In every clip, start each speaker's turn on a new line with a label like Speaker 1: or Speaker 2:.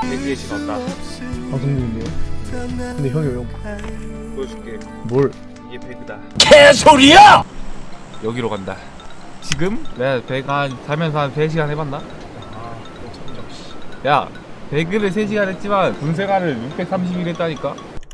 Speaker 1: 배그의 집 왔다.
Speaker 2: 방송 중인데요. 근데 형이 왜 형?
Speaker 1: 보여줄게.
Speaker 2: 뭘?
Speaker 1: 이게 배그다.
Speaker 3: 개소리야!
Speaker 1: 여기로 간다. 지금 내가 배그 살면서 한 3시간 해봤나? 야, 배그를 3시간 했지만 군생활을 630일 했다니까?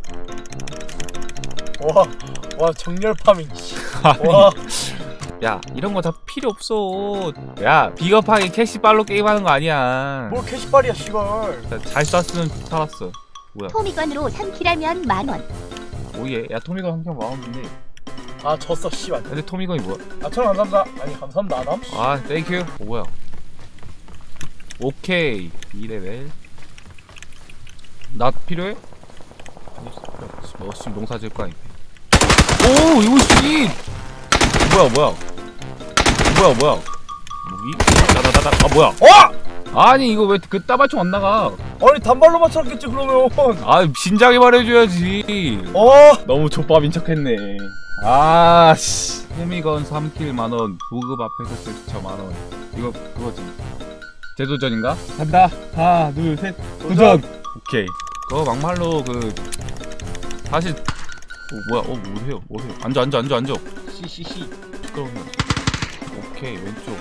Speaker 2: 와 정렬 파밍. 와.
Speaker 1: 야, 이런 거 다 필요 없어. 야, 비겁하게 캐시빨로 게임하는 거 아니야.
Speaker 2: 뭘 캐시빨이야 씨발.
Speaker 1: 잘 쐈으면 살았어. 뭐야?
Speaker 4: 토미건으로 3킬하면 만원.
Speaker 1: 오예. 야, 토미건 한편 마음인데.
Speaker 2: 아 졌어 씨발.
Speaker 1: 근데 토미건이 뭐야?
Speaker 2: 아 천원 감사합니다. 아니 감사합니다 아담.
Speaker 1: 아, 땡큐. 뭐야? 오케이. 2레벨. 나 필요해? 너 지금 농사 지을 거 아니야? 오, 이거 씨! 뭐야? 무기? 나다다다. 아, 뭐야? 아니, 이거 왜 그 따발총 안 나가?
Speaker 2: 아니 단발로 맞췄겠지 그러면.
Speaker 1: 아, 진작에 말해줘야지. 너무 족밥인 척했네. 아, 씨. 호미건 3킬 만원, 보급 앞에서 제스처 만원. 이거 그거지. 재도전인가? 간다. 하나, 둘, 셋. 도전. 오케이. 그거 막말로 사실 뭐야? 뭐해요? 앉아. 씨. 시끄러우면. 오케이, 왼쪽.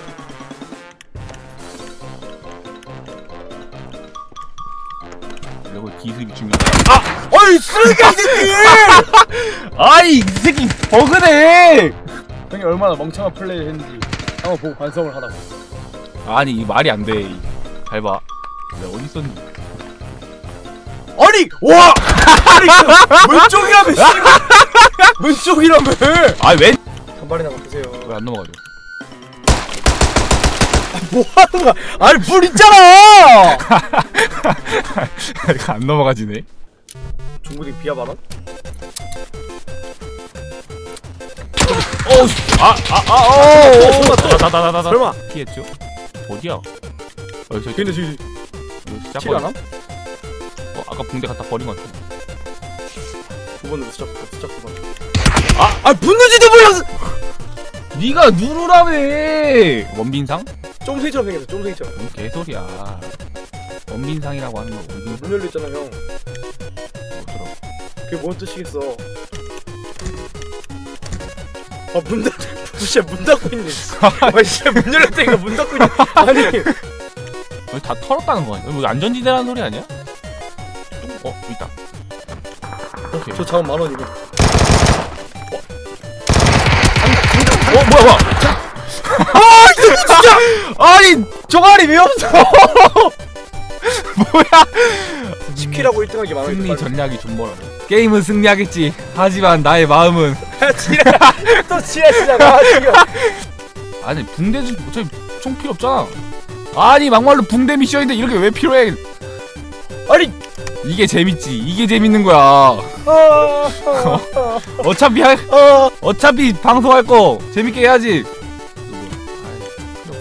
Speaker 1: 이거 기습이 중요하다.
Speaker 2: 아이 쓰레기야 이 새끼.
Speaker 1: 아이, 이 새끼 버그네.
Speaker 2: 형이 얼마나 멍청한 플레이를 했는지 한번 보고 반성을 하라고.
Speaker 1: 아니, 이 말이 안 돼. 잘 봐. 내가 어디 있었니?
Speaker 2: 아니 와. 아니 왼쪽이라며 씨발. 왼쪽이라며.
Speaker 1: 아, 왜?
Speaker 2: 단발이나 바꾸세요.
Speaker 1: 왜 안 넘어가죠?
Speaker 2: 뭐 하는 거야? 아니 물 있잖아.
Speaker 1: 안 넘어가지네.
Speaker 2: 중국인 비하 발언?
Speaker 1: 설마 피했죠? 어디야? 저기.
Speaker 2: 근데 지금 킬 안 함?
Speaker 1: 아까 붕대 갖다 버린 것 같아.
Speaker 2: 9번으로 수작 9번. 붙는지도 몰랐어.
Speaker 1: 네가 누르라며. 원빈상?
Speaker 2: 쫑생이처럼 생겼어. 쫑생이처럼.
Speaker 1: 뭔 개소리야. 원빈상이라고 하는 거 원빈상.
Speaker 2: 문 열렸잖아 형.
Speaker 1: 뭐더라?
Speaker 2: 그게 뭔 뜻이겠어. 문 닫... 진짜 문 닫고 있네. 진짜 문 열렸다니까 문 닫고 있네. 아니
Speaker 1: 여기 다 털었다는 거 아니야? 여기 안전지대라는 소리 아니야? 있다. 오케이.
Speaker 2: 저 자원 만원 이거.
Speaker 1: 뭐야? 진짜! 아니, 종아리 왜 없어? 뭐야?
Speaker 2: 치킨하고 1등하기 만원.
Speaker 1: 승리 전략이 존버라고. 게임은 승리하겠지. 하지만 나의 마음은.
Speaker 2: 또 지랄이잖아 지금.
Speaker 1: 아니, 붕대 어차피 총 필요 없잖아. 아니, 막말로 붕대 미션인데 이렇게 왜 필요해?
Speaker 2: 아니
Speaker 1: 이게 재밌지. 이게 재밌는 거야. 어차피 방송할 거 재밌게 해야지. 필요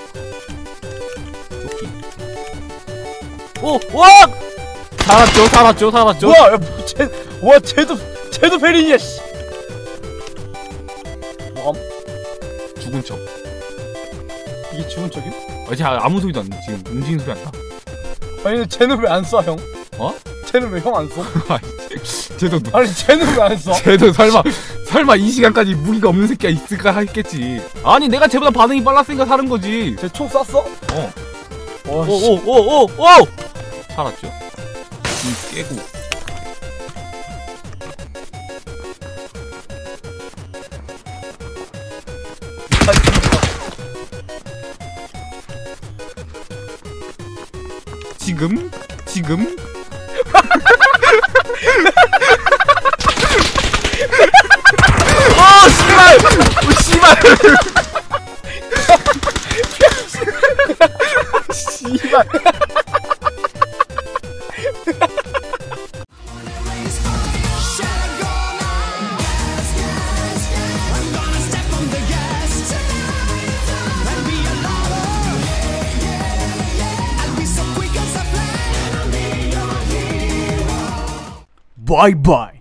Speaker 1: 없어. 오! 와! 살았죠.
Speaker 2: 와, 쟤도 페린이야 씨.
Speaker 1: 죽은 척.
Speaker 2: 이게 죽은 척임?
Speaker 1: 아무 소리도 안 나. 지금 움직이는 소리 안 나.
Speaker 2: 아니 근데 쟤는 왜 안 쏴 형? 쟤는 왜 형 안 쏴?
Speaker 1: 쟤도
Speaker 2: 아니 쟤는 왜 안 쏴?
Speaker 1: 쟤도 설마 이 시간까지 무기가 없는 새끼가 있을까 했겠지. 아니, 내가 쟤보다 반응이 빨랐으니까 사는 거지.
Speaker 2: 쟤 총 쐈어?
Speaker 1: 오! 살았죠? 깨고. 지금? 씨발!
Speaker 2: 바이바이.